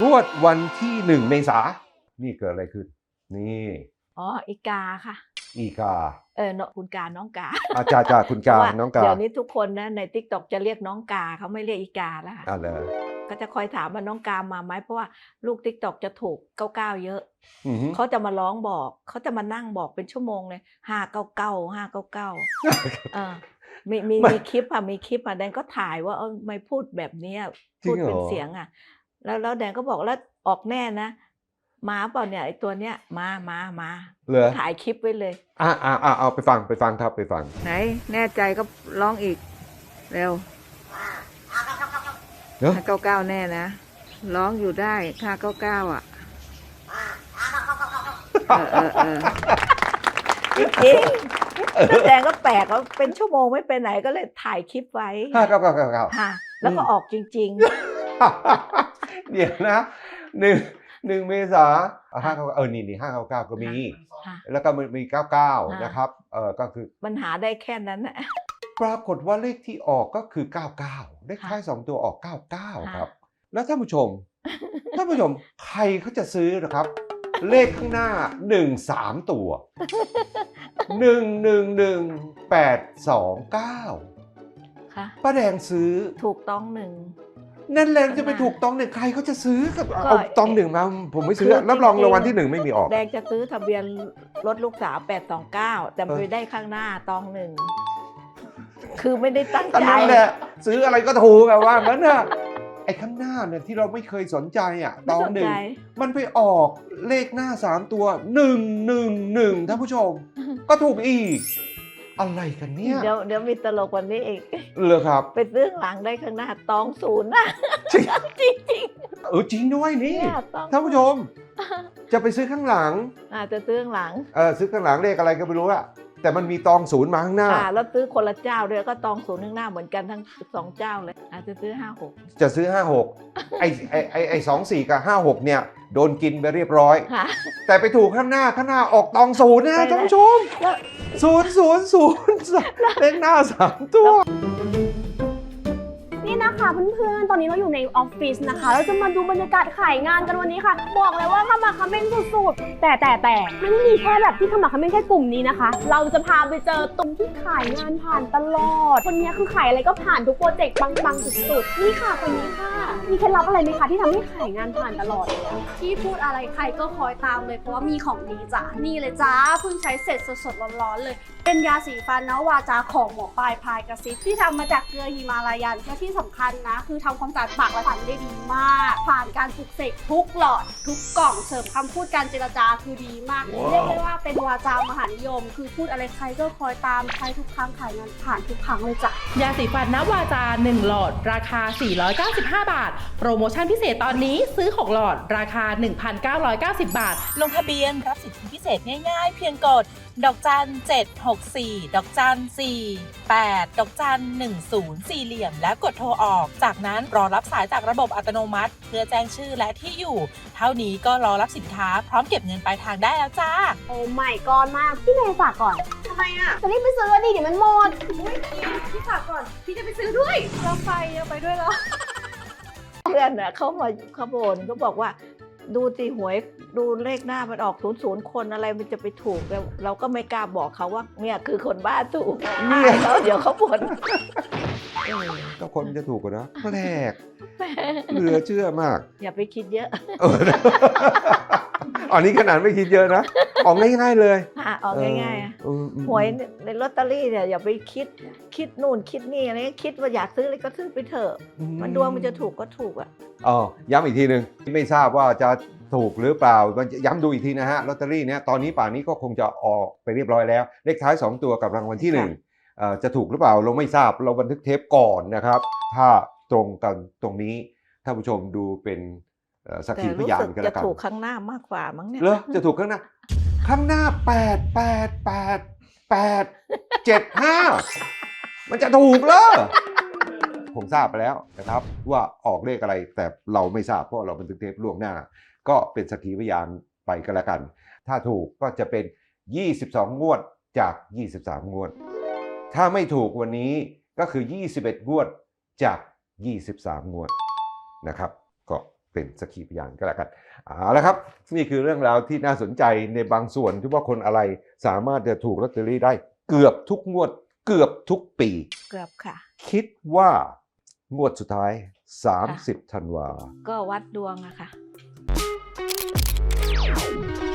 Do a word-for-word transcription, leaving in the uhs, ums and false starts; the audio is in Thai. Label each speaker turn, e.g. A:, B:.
A: วดวันที่หนึ่งเมษานี่เกิดอะไรขึ้นนี่
B: อ๋ออีกาค่ะ
A: อีกา
B: เออคุณกาน้องกา
A: อาจารย์จ่าคุณกาน้องกา
B: เดี๋ยวนี้ทุกคนนะใน ติ๊กต็อก จะเรียกน้องกาเขาไม่เรียกอีกาแล้วค่ะ
A: อ่าเลย
B: ก็จะคอยถามว่าน้องกามาไหมเพราะว่าลูก ติ๊กต็อก จะถูกเก้าเก้าเยอะ
A: อือฮึ
B: เขาจะมาร้องบอกเขาจะมานั่งบอกเป็นชั่วโมงเลยห้าเก้าเก้าห้าเก้าเก้าเออมีมีมีคลิปอ่ะมีคลิปอ่ะแดนก็ถ่ายว่าเออไม่พูดแบบนี้พูดเป็นเสียงอ่ะแล้วแล้วแดนก็บอกแล้วออกแน่นะมาเปล่าเนี่ยไอตัวเนี้ยมามามา
A: เหรอ
B: ถ่ายคลิปไว้เลย
A: อ่าอ่าอ่าเอาไปฟังไปฟังครับไปฟัง
B: ไหนแน่ใจก็ร้องอีกเร็วห้าเก้าเก้าแน่นะร้องอยู่ได้ห้าเก้าเก้าอ่ะเออเออเออจริงๆแดงก็แปลกว่าเป็นชั่วโมงไม่ไปไหนก็เลยถ่ายคลิปไว้
A: ห้าเก้าเก้าเก้าเก้า
B: ค่ะแล้วก็ออกจริง
A: ๆเดี๋ยวนะหนึ่งหนึ่งเมษาห้าเก้าเออนี่นี่ห้าเก้าเก้าก็มีแล้วก็มันมีเก้าเก้านะครับเออก็คือ
B: มันหาได้แค่นั้นนะ
A: ปรากฏว่าเลขที่ออกก็คือเก้าเก้าเลขท้ายสองตัวออกเก้าเก้าครับแล้วท่านผู้ชมท่านผู้ชมใครเขาจะซื้อนะครับเลขข้างหน้าหนึ่งสามตัวหนึ่งหนึ่งหนึ่งแปดสองเก้า
B: ค่ะ
A: ป้าแดงซื้อ
B: ถูกต้องหนึ่ง
A: นั่นแหละจะไปถูกต้องหนึ่งใครเขาจะซื้อกับเอาตองหนึ่งมาผมไม่ซื้อรับรองรางวัลที่หนึ่งไม่มีออก
B: แดงจะซื้อทะเบียนรถลูกสาวแปดสองเก้าแต่ไปได้ข้างหน้าตองหนึ่งคือไม่ได้ตั้งใจ
A: นั่นแหละซื้ออะไรก็ถูกแบบว่างั้นน่ะไอ้ข้างหน้าเนี่ยที่เราไม่เคยสนใจอ่ะตองหนึ่งมันไปออกเลขหน้าสามตัวหนึ่งหนึ่งหนึ่งท่านผู้ชมก็ถูกอีกอะไรกันเนี่ย
B: เดี๋ยวเดี๋ยวมีตลกกว่านี้อีก
A: เลยครับ
B: ไปซื้อหลังได้ข้างหน้าตองศูนย์นะจริงจริง
A: เออจริงด้วยนี่ท่านผู้ชมจะไปซื้อข้างหลัง
B: อ่าจะซื้อข้างหลัง
A: เออซื้อข้างหลังเลขอะไรก็ไม่รู้อะแต่มันมีตองศูนย์มาข้างหน้า
B: อ่าแล้วซื้อคนละเจ้าด้วยก็ตองศูนย์ข้างหน้าเหมือนกันทั้งสองเจ้าเลยอาจจะซื้อห้าหก
A: จะซื้อห้าหกไอไอไอไอสองสี่กับห้าหกเนี่ยโดนกินไปเรียบร้อยแต่ไปถูกข้างหน้าข้างหน้าออกตองศูนย์นะท่านผู้ชมศูนย์ศูนย์ศูนย์เลขหน้าสามตัว
C: นี่นะคะเพื่อนๆตอนนี้เราอยู่ในออฟฟิศนะคะเราจะมาดูบรรยากาศขายงานกันวันนี้ค่ะบอกเลยว่าขมักเขม้นสุดๆแต่แต่แต่ไม่ได้มีแค่แบบที่ขมักเขม้นแค่กลุ่มนี้นะคะเราจะพาไปเจอตรงที่ขายงานผ่านตลอดคนนี้คือขายอะไรก็ผ่านทุกโปรเจกต์ปังๆสุดๆนี่ค่ะคนนี้ค่ะมีเคล็ดลับอะไรไหมคะที่ทำให้ขายงานผ่านตลอด
D: ที่พูดอะไรใครก็คอยตามเลยเพราะว่ามีของดีจ้ะนี่เลยจ้าเพิ่งใช้เสร็จสดๆร้อนๆเลยเป็นยาสีฟันนะวาจาของหมอปลายพายกระซิบที่ทำมาจากเกลือฮิมาลายันและที่สำคัญนะคือทำความสะอาดปากและฟันได้ดีมากผ่านการปลุกเสกทุกหลอดทุกกล่องเสริมคำพูดการเจรจาคือดีมาก wow. เรียกได้ว่าเป็นวาจามหานิยมคือพูดอะไรใครก็คอยตามใช้ทุกครั้งขายงานผ่านทุกครั้งเลยจ้ะ
E: ยาสีฟันนวาจาหนึ่งหลอดราคาสี่ร้อยเก้าสิบห้าบาทโปรโมชั่นพิเศษตอนนี้ซื้อหกหลอดราคา หนึ่งพันเก้าร้อยเก้าสิบบาท
F: ลงทะเบียนรับสิทธิพิเศษง่ายๆเพียงกดดอกจันเจ็ดหกสี่ดอกจันสี่แปดดอกจันหนึ่งศูนย์สี่เหลี่ยมและกดโทรออกจากนั้นรอรับสายจากระบบอัตโนมัติเพื่อแจ้งชื่อและที่อยู่เท่านี้ก็รอรับสินค้าพร้อมเก็บเงินปลายทางได้แล้วจ้า
C: โอ้ไม่ก่อนมากพี่เมย์ฝากก่อน
D: ทำไมอ่ะ
C: จะรีบไปซื้อดิเดี๋ยวมันหมด
D: พี่ฝากก่อนพี่จะไปซื้อด้วยเราไปเอาไปด้วยเหรอ
B: เพื่อนอ่ะเขามาขบวนเขาบอกว่าดูตีหวยดูเลขหน้ามันออกศูนย์ศูนย์คนอะไรมันจะไปถูกแล้วเราก็ไม่กล้าบอกเขาว่าเนี่ยคือคนบ้าถูกเนี่ยแล้วเดี๋ยวเขาบ่น
A: ก็คนจะถูกกันนะแปลกเหลือเชื่อมาก
B: อย่าไปคิดเยอะ
A: อันนี้ขนาดไม่คิดเยอะนะออกง่ายๆเลย
B: ออกง่ายๆหวยในลอตเตอรี่เนี่ยอย่าไปคิดคิดนู่นคิดนี่อะไรคิดว่าอยากซื้ออะไรก็ซื้อไปเถอะมันดวงมันจะถูกก็ถูกอ่ะ
A: อ๋อย้ำอีกทีหนึ่งไม่ทราบว่าจะถูกหรือเปล่าย้ำดูอีกทีนะฮะลอตเตอรี่เนี่ยตอนนี้ป่านนี้ก็คงจะออกไปเรียบร้อยแล้วเลขท้ายสองตัวกับรางวัลที่หนึ่งจะถูกหรือเปล่าเราไม่ทราบเราบันทึกเทปก่อนนะครับถ้าตรงกันตรงนี้ท่านผู้ชมดูเป็นสักขีพยานกันแล้วกัน
B: จะถูกข้างหน้ามากกว่ามั้งเนี่ย
A: เหรอจะถูกข้างหน้าข้างหน้าแปดแปดแปดแปดเจ็ดห้ามันจะถูกเหรอผมทราบไปแล้วนะครับว่าออกเลขอะไรแต่เราไม่ทราบเพราะเราบันทึกเทปล่วงหน้าก็เป็นสักขีพยานไปกันแล้วกันถ้าถูกก็จะเป็นยี่สิบสองงวดจากยี่สิบสามงวดถ้าไม่ถูกวันนี้ก็คือยี่สิบเอ็ดงวดจากยี่สิบสามงวดนะครับก็เป็นสักขีพยานก็แล้วกันเอาละครับนี่คือเรื่องราวที่น่าสนใจในบางส่วนที่ว่าคนอะไรสามารถจะถูกลอตเตอรี่ได้เกือบทุกงวดเกือบทุกปี
B: เกือบค่ะ
A: คิดว่างวดสุดท้ายสามสิบธันวา
B: ก็วัดดวงอะค่ะ